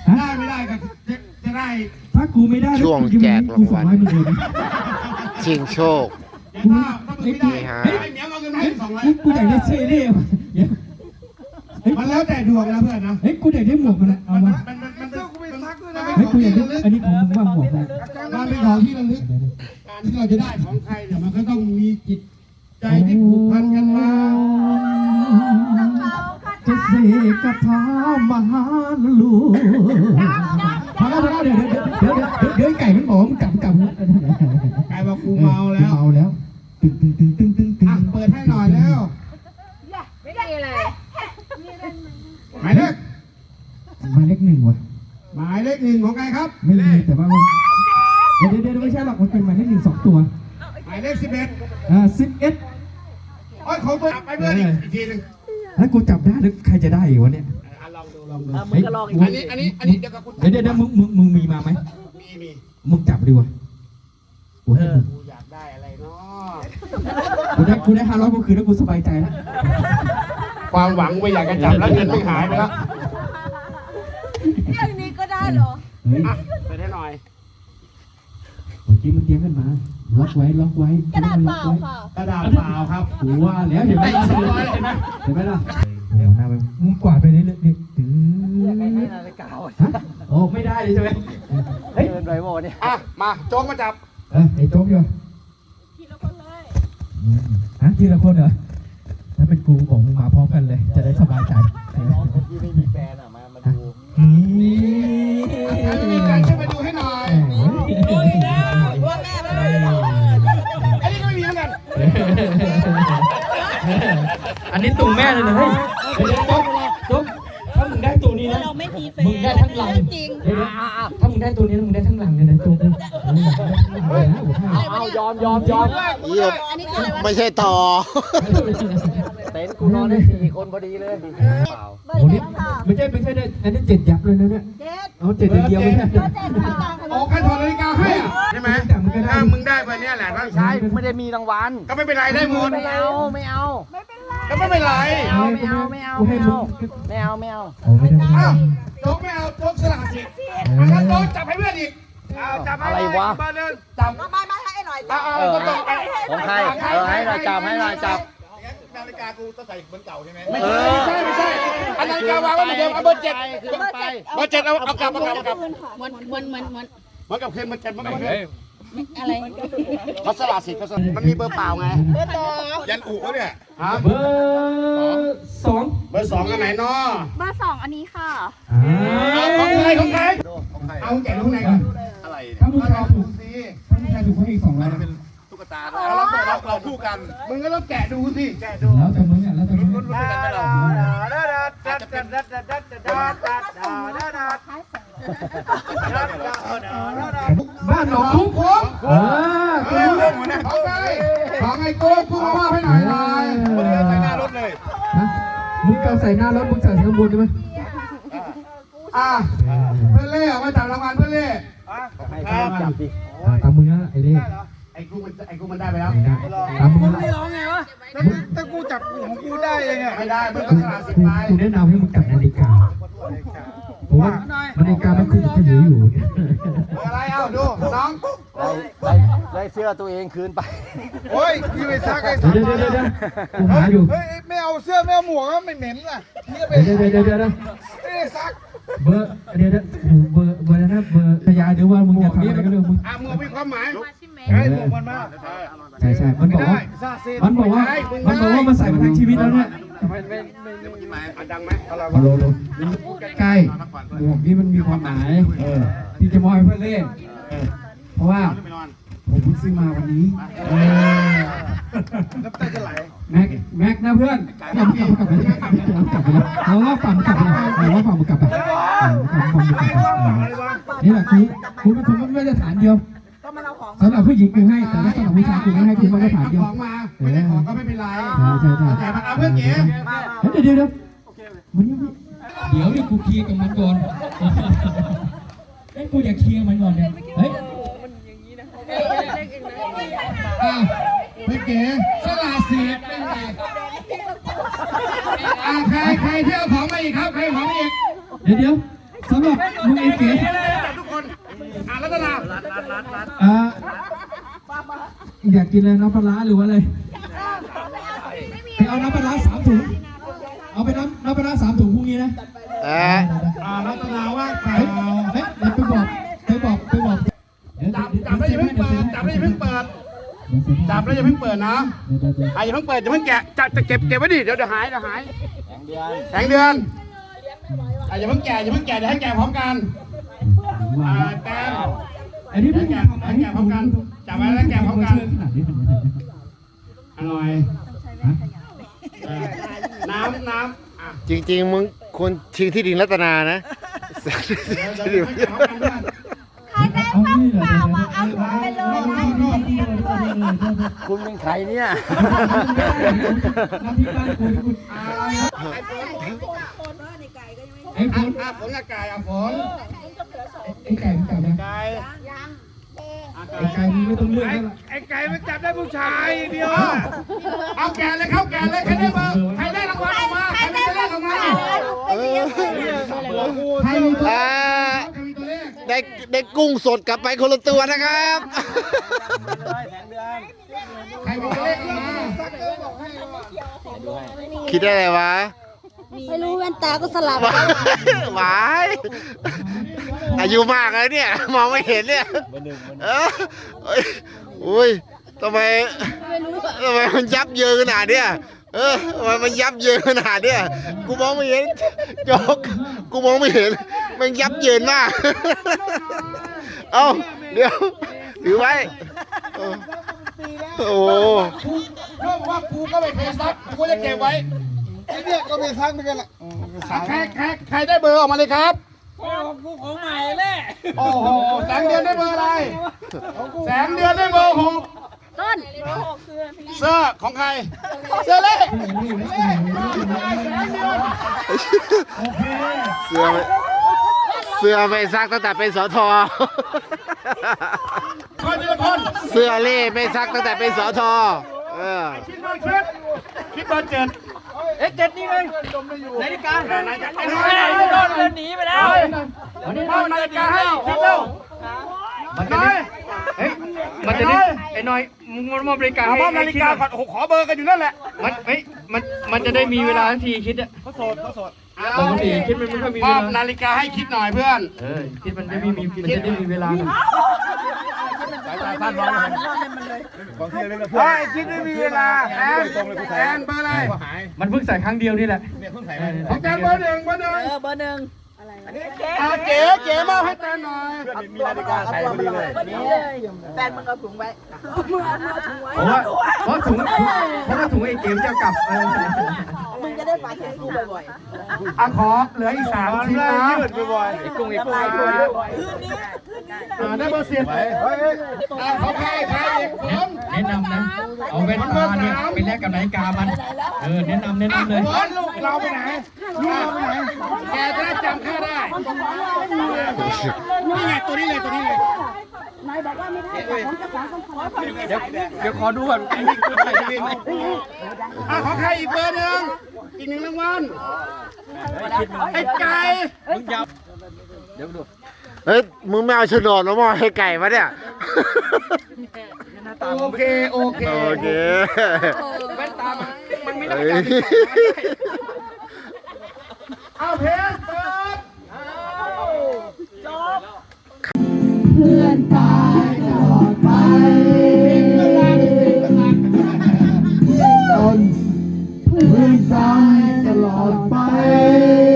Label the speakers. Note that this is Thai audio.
Speaker 1: ได้ไม่ได้ก็จะได้
Speaker 2: ถ้ากูไม่ได้
Speaker 3: ช่วงแจกรางวัล ชิงโชค
Speaker 1: ถ้ามึงไม่ได้ไอ้เหมียวเอาเงินให้200
Speaker 2: กูอยากได้เสื้อเล่
Speaker 1: มันแล้วแต่ดวงนะเพื่อนนะ
Speaker 2: เฮ้ยกูอยากได้หมวกมันนะเอามา
Speaker 1: มันเสื้อกูไปซักด้วยนะ
Speaker 2: เฮ้ยกูอยากได้อันนี้ของมึงว่าหมวกนะ
Speaker 1: มันเป็นของที่ระลึกการที่เราจะได้ของใครเนี่ยมันก็ต้องมีจิตใจที่ผูกพันกันมา
Speaker 2: จะเสกคาถามหาลูพอแล้วเดี๋ยวไก่มันบอกมึงกลับ
Speaker 1: ไก่บอกกูเมาแล้ว
Speaker 2: เมาแล้วตึง
Speaker 1: เปิดให้หน่อยแล้ว
Speaker 4: ไม่ได้เลย
Speaker 1: หมายเลข
Speaker 2: หมายเลข 1ว่ะ
Speaker 1: หมายเลข1ของใครครับ
Speaker 2: ไม่มีแต่ว่าเดี๋ยวไม่ใช่หรอกมันเป็นหมายเลข1 2 ตัว
Speaker 1: หมายเลข11
Speaker 2: 11
Speaker 1: โอ้ยของตัวไปเพื่อนอีกทีนึง
Speaker 2: แล้วกูจับได้แล้วใครจะได้อีกวะเนี่ย
Speaker 1: ลองดู
Speaker 4: มึงก็ลองอีก
Speaker 1: อันนี้เดี๋ยวกับคุณ
Speaker 2: เดี๋ยวมึงมีมาไหม
Speaker 1: มี
Speaker 2: มึงจับดีวะกูให้มึง
Speaker 1: กูอยากได้อะไรเนาะ
Speaker 2: กูได้500กูคืนแล้วกูสบายใจแล้ว
Speaker 1: ความหวังไม่อยากจะจับแล้วเงินไม่หายไปแล้ว
Speaker 4: เรื่องนี้ก็ได้เหรอ
Speaker 2: เฮ้ย
Speaker 1: เปิดให้หน่อย
Speaker 2: เมื่อกี้มันเตรียมกันมาล็อกไว้
Speaker 4: กระดาษเปล่าค่ะ
Speaker 1: กระดาษเปล่าครับ
Speaker 2: กูว่าแล้วเห็นไหมล่ะ
Speaker 1: เห็นไหม
Speaker 2: เห็นไหมล่ะเดี๋ยวหน้าไปมึงกวาดไปเรื่อยๆถึงโอ้ไม่ได้เลยใช่ไหมเฮ้ย
Speaker 3: เดินไปโมเนี่ย
Speaker 1: มาโจ๊กมาจับ
Speaker 2: ไอ้โจ๊กอยู่
Speaker 4: ทีละคนเลย
Speaker 2: ฮะทีละคนเหรอถ้าเป็นกูบอกมึงมาพร้อมกันเลย จะได้สบายใจ
Speaker 3: ที่ไม่มีแฟนอ่ะมาดู
Speaker 1: ถ้าไม่มีใครช่วยมาดูให้หน่อย
Speaker 4: ว่าแม่ไม่ได้
Speaker 1: อันนี้ก็ไม่มีเหมือนกัน
Speaker 2: อันนี้ตุ่มแม่เลยนะเฮ้ยโจ๊กถ้ามึงได้ตัวนี้นะ
Speaker 4: เราไม่มีแฟน
Speaker 2: มึงได้ทั้งลัง
Speaker 4: จริง
Speaker 2: ถ้ามึงได้ตัวนี้มึงได้ทั้งลังเลยนะโจ๊ก
Speaker 3: เอายอมเยี่ยม
Speaker 4: อันนี้คืออะไรวะ
Speaker 3: ไม่ใช่ต่อ เต็นท์กูนอนได้4 คนพอดีเลยเปล่า
Speaker 4: เบอร์
Speaker 2: โอ้
Speaker 4: เจ็
Speaker 2: นี่
Speaker 4: ดค่ะ
Speaker 2: ไม่ใช่ได้อันนี้7 ยับเลยนะเนี่ย
Speaker 4: เจ็ด
Speaker 2: เอา7อย่างเดียวไม่ใช่
Speaker 4: เบอร์เจ็ดค่ะ
Speaker 1: โอ้ใครถอดนาฬิกาให้อ่ะใช่ไหม
Speaker 2: แต่มึงก็ได้
Speaker 1: ถ้ามึงได้ไปเนี่ยแหละต้อง
Speaker 3: ใช่ไม่ได้มีรางวัล
Speaker 1: ก็ไม่เป็นไรได้หมด
Speaker 3: ไม่เอา
Speaker 1: ก็ไม่เป็นไร
Speaker 2: โอ้ไม่ได้
Speaker 1: อ้าวโจ๊กไม่เอาโจ๊กสลัดสิงั้นโจ๊กจับให้เพื่อนอีกจับให้
Speaker 3: อะไรวะ
Speaker 1: เบอร์หนึ่งจับ
Speaker 4: มาให้หน่อย
Speaker 1: ก็ต้อง
Speaker 3: ของใครให้หน่อยจับ
Speaker 1: นาฬิกากูต้องใส่เหมือนเก่าใช่ไหม
Speaker 3: เออ
Speaker 1: ไม่ใช่อันนาฬิกาวางไว้เหมือนเดิมเอาเบอร์ 7
Speaker 3: ขึ้นไป
Speaker 1: เบอร์ 7เอากลับ
Speaker 4: เหมือน
Speaker 1: เหมือนกับคืนเบอร์ 7มันกับคืน
Speaker 4: อะไร
Speaker 1: เขาสลัดสิเขาสลัดมันมีเบอร์เปล่าไง
Speaker 4: เบอร์สอง
Speaker 1: ยันอุเขาเนี่ยฮะ
Speaker 2: เบอร์2
Speaker 1: เบอร์ 2อันไหนเนาะ
Speaker 4: เบอร์สองอันนี้ค่ะ
Speaker 1: ของใครเอาแกะตรงไหนก่อน
Speaker 3: อะไร
Speaker 2: ถ้ามึงทายถูกเขาให้อีก200นะ
Speaker 3: ตุ๊กตา
Speaker 1: เราคู่กันมึงก็ต้องแกะดูสิแกะดู
Speaker 2: แล้วแต่มึงอ่ะแล้วแต่มึง บ้านหนองคุ้งของของไอ้โก้กูมอบให้หน่อยมึงเอาใส่หน้ารถเลยมึงเอาใส่หน้ารถมึงใส่ข้างบนได้ไหมเพื่อนเล่มาจับรางวัลเพื่อนเล่
Speaker 3: จับดิ
Speaker 2: ตามมึงนะไอ้เล่
Speaker 1: ไอ้กูมันได้ไปแล้ว
Speaker 2: ตามมึงนะ
Speaker 1: ถ้ากูจับของกูได้ยังไงไม่ได้มึงต้องสละสิทธิ์ไป
Speaker 2: กูแนะนำให้มึงจับนาฬิกาเพราะว่านาฬิกามันคือจะถืออยู่
Speaker 1: อะไรเอาดูน้อง
Speaker 3: ได้เสื้อตัวเองคืนไป
Speaker 5: โอ้ยพี่ไปซักไอ้
Speaker 2: เดี๋ยวกูหาอยู่
Speaker 5: เฮ้ยไม่เอาเสื้อไม่เอาหมวกไม่เหม็นอ่ะนี่ไป
Speaker 2: เดี๋ยว
Speaker 5: ไม่ได้ซัก
Speaker 2: เบอร์เดี๋ยวเบอร์นะเบอร์ขยายเดี๋ยวว่ามึงจะทำอะไรก็เรื่องมึง
Speaker 1: หมวกมีความหมาย
Speaker 5: เฮ้ยหมวกมันมา
Speaker 2: ใช่มันบอกว่า
Speaker 5: ซาเซ่
Speaker 2: มันบอกว่ามันใส่มาทั้งชีวิตแล้วเนี่ย
Speaker 1: ดังไหม
Speaker 2: ฮัลโหลใกล้หมวกนี้มันมีความหมายที่จะมอบให้เพื่อนเล่นเพราะว่าผมเพิ่งซื้อมาวันนี้
Speaker 5: น้ำตาจะไหล
Speaker 2: แม็กนะเพื่อนกลับไปเราว่าฝั่งกลับไปเราว่าฝั่งกลับไปนี่แหละคุณเป็นคนมาตรฐานเดียวสำหรับผู้หญิงกูให้แต่ถ้าสำหรับผู้ชายกูไม่ให้คุณมาตรฐานเดียว
Speaker 1: ของมาไม่ได้ของก็ไม่เป็นไร
Speaker 2: ใช่
Speaker 1: แต่มันเอาเพื่อนเก๋
Speaker 2: เดี๋ยวมันนี่เดี๋ยวนี่กูเคลียร์กับมันก่อนกูอยากเคลียร์มันก่อนเนี่ยเฮ้ย
Speaker 1: พี่เก๋สละสิทธิ์เป็นไงใครที่เอาของมาอีกครับใครของอีก
Speaker 2: เดี๋ยวสำหรับลุงเอเก๋
Speaker 1: จับทุกคนรัตนา
Speaker 2: อยากกินอะไรน้ำปลาร้าหรือว่าอะไรไปเอาน้ำปลาร้า3 ถุงเอาไปน้ำปลาร้า3 ถุงพรุ่งนี้นะ
Speaker 1: รัตนาว่าเปล่า
Speaker 2: เฮ้ยเดี๋ยวไปบอก
Speaker 1: จับแล้วอย่าเพิ่งเปิดจับแล้วอย่าเพิ่งเปิดจับแล้วอย่าเพิ่งเปิดนะอย่าเพิ่งเปิดอย่าเพิ่งแกะจะเก็บไว้ดิเดี๋ยวหายแสงเดือนอย่าเพิ่งแกะเดี๋ยวให้แกะพร้อมกันแกะ
Speaker 2: อันนี้
Speaker 1: แกะพร้อมกันจับไว้แล้วแกะพร้อมกันอร่อยน้ำ
Speaker 6: จริงๆมึงควรชิงที่ดินรัตนานะ
Speaker 1: เดี๋ยวให้แกะพร้อมกันด้วย
Speaker 4: ใครได้ข้าวเปล่ามาเอาถุงไปเลยนะ
Speaker 3: คุณเป็นใครเนี่ย
Speaker 2: น้ำพริกบ้านคุณไอ้ฝน
Speaker 1: ฝนกับไก่ฝน
Speaker 2: ไอ้ไก่จับนะ
Speaker 1: ไก่
Speaker 2: ไอ้ไก่มึงไม่ต้องเลือกแล้วล่ะ
Speaker 5: ไอ้ไก่มันจับได้ผู้ชายเดียว
Speaker 1: เอาแกะเลยเข้าแกะเลยใครได้เบอร์ใครได้รางวัลออกมาใครได้เลขออกมา
Speaker 2: ใครมีตัว
Speaker 6: ได้กุ้งสดกลับไปคนละตัวนะครับ
Speaker 1: ใครมีตัวเลขออกมา
Speaker 6: คิดได้อะไรวะ
Speaker 4: ไม่รู้แว่นตาก็สลับ
Speaker 6: หวายอายุมากเลยเนี่ย มองไม่เห็นเนี่ยอุ้ยทำไมมันยับเยินขนาดเนี้ยทำไมมันยับเยินขนาดเนี้ยกูมองไม่เห็นโจ๊กกูมองไม่เห็นมันยับเยินมากเอ้าเดี๋ยวถือไว้โอ้โห
Speaker 1: เรื่องว่ากูก็ไม่เคยซักกูจะเก็บไว้
Speaker 5: ไอ้เนี่ยก็มีซักเหมือนกันแหละ
Speaker 1: ใครได้เบอร์ออกมาเลยครับ
Speaker 5: ของใหม่เลย
Speaker 1: โอ้โหแสงเดือนได้เบอร์อะไรแสงเดือนได้เบอร์6
Speaker 4: ต้น
Speaker 1: เสื้อของใครเสื้อเล่
Speaker 6: เสื้อไม่ซักตั้งแต่เป็นสท
Speaker 1: คนทีละคน
Speaker 6: เสื้อเล่ไม่ซักตั้งแต่เป็นสท
Speaker 1: คิดเบอร์7
Speaker 3: เจ็ดนี่เลยนาฬิกา
Speaker 1: ไอ้น้อยโดนเดินหนีไปแล้วมอบนาฬิกาให้คิดเร็วน้อย
Speaker 2: มันจะได้ไอ้น้อยมึงมอบนาฬิกาให้
Speaker 1: มอบนาฬิกาก่อนขอเบอร์กันอยู่นั่นแหละ
Speaker 2: มันจะได้มีเวลาทันทีคิดอะปกติคิดมันไม่ค่อยมี
Speaker 1: ม
Speaker 2: เว
Speaker 1: อบ
Speaker 2: ลา
Speaker 1: นาฬิกาให้คิดหน่อยเพื่อน
Speaker 2: คิดมันจะได้มีเวลา
Speaker 1: คิดไม่มีเวลาแอนเบอร์อะไร
Speaker 2: มันเพิ่งใส่ครั้งเดียวนี่แหละ
Speaker 1: ของแกเบอร์ 1เก๋มอบให้แตนหน่อย
Speaker 5: มีนาฬิกาใส่พอดีเลย
Speaker 4: แฟนมึงเอาถุงไว้
Speaker 2: เพราะถุงไอ้เกมจะกลับ
Speaker 4: มึงจะได้ฝากถึงกูบ่อย
Speaker 1: ขอเหลืออีก3 ชิ้นนะ
Speaker 2: ไอ้กุ้ง
Speaker 4: ๆ
Speaker 1: ได้เบอร์10เขาใครอีกคน
Speaker 2: แนะนำนะ เอาแว่นตาเนี่ยไปแลกกับนาฬิกามัน แนะนำเลย
Speaker 1: ลูกเราไปไหนแกจะได้จำค่าได้นี่ไงตัวนี้เลย
Speaker 4: นายบอกว่าไม่ได้ของเจ้าของต้องขอ
Speaker 2: เดี๋ยวขอดูก่อนไอ้นี่คือใครดีไหม
Speaker 1: ของใครอีกเบอร์ 1อีก1 รางวัลไอ้ไก่
Speaker 2: มึงยับ
Speaker 6: เฮ้ยมึงไม่เอาโฉนดมามอบให้ไก่มาเนี่ย
Speaker 1: โอเค
Speaker 2: แว่นตามันไม่ได้
Speaker 1: เอาเพลงเปิด
Speaker 2: เพื่อนตายตลอดไปเพื่อนตายตลอดไป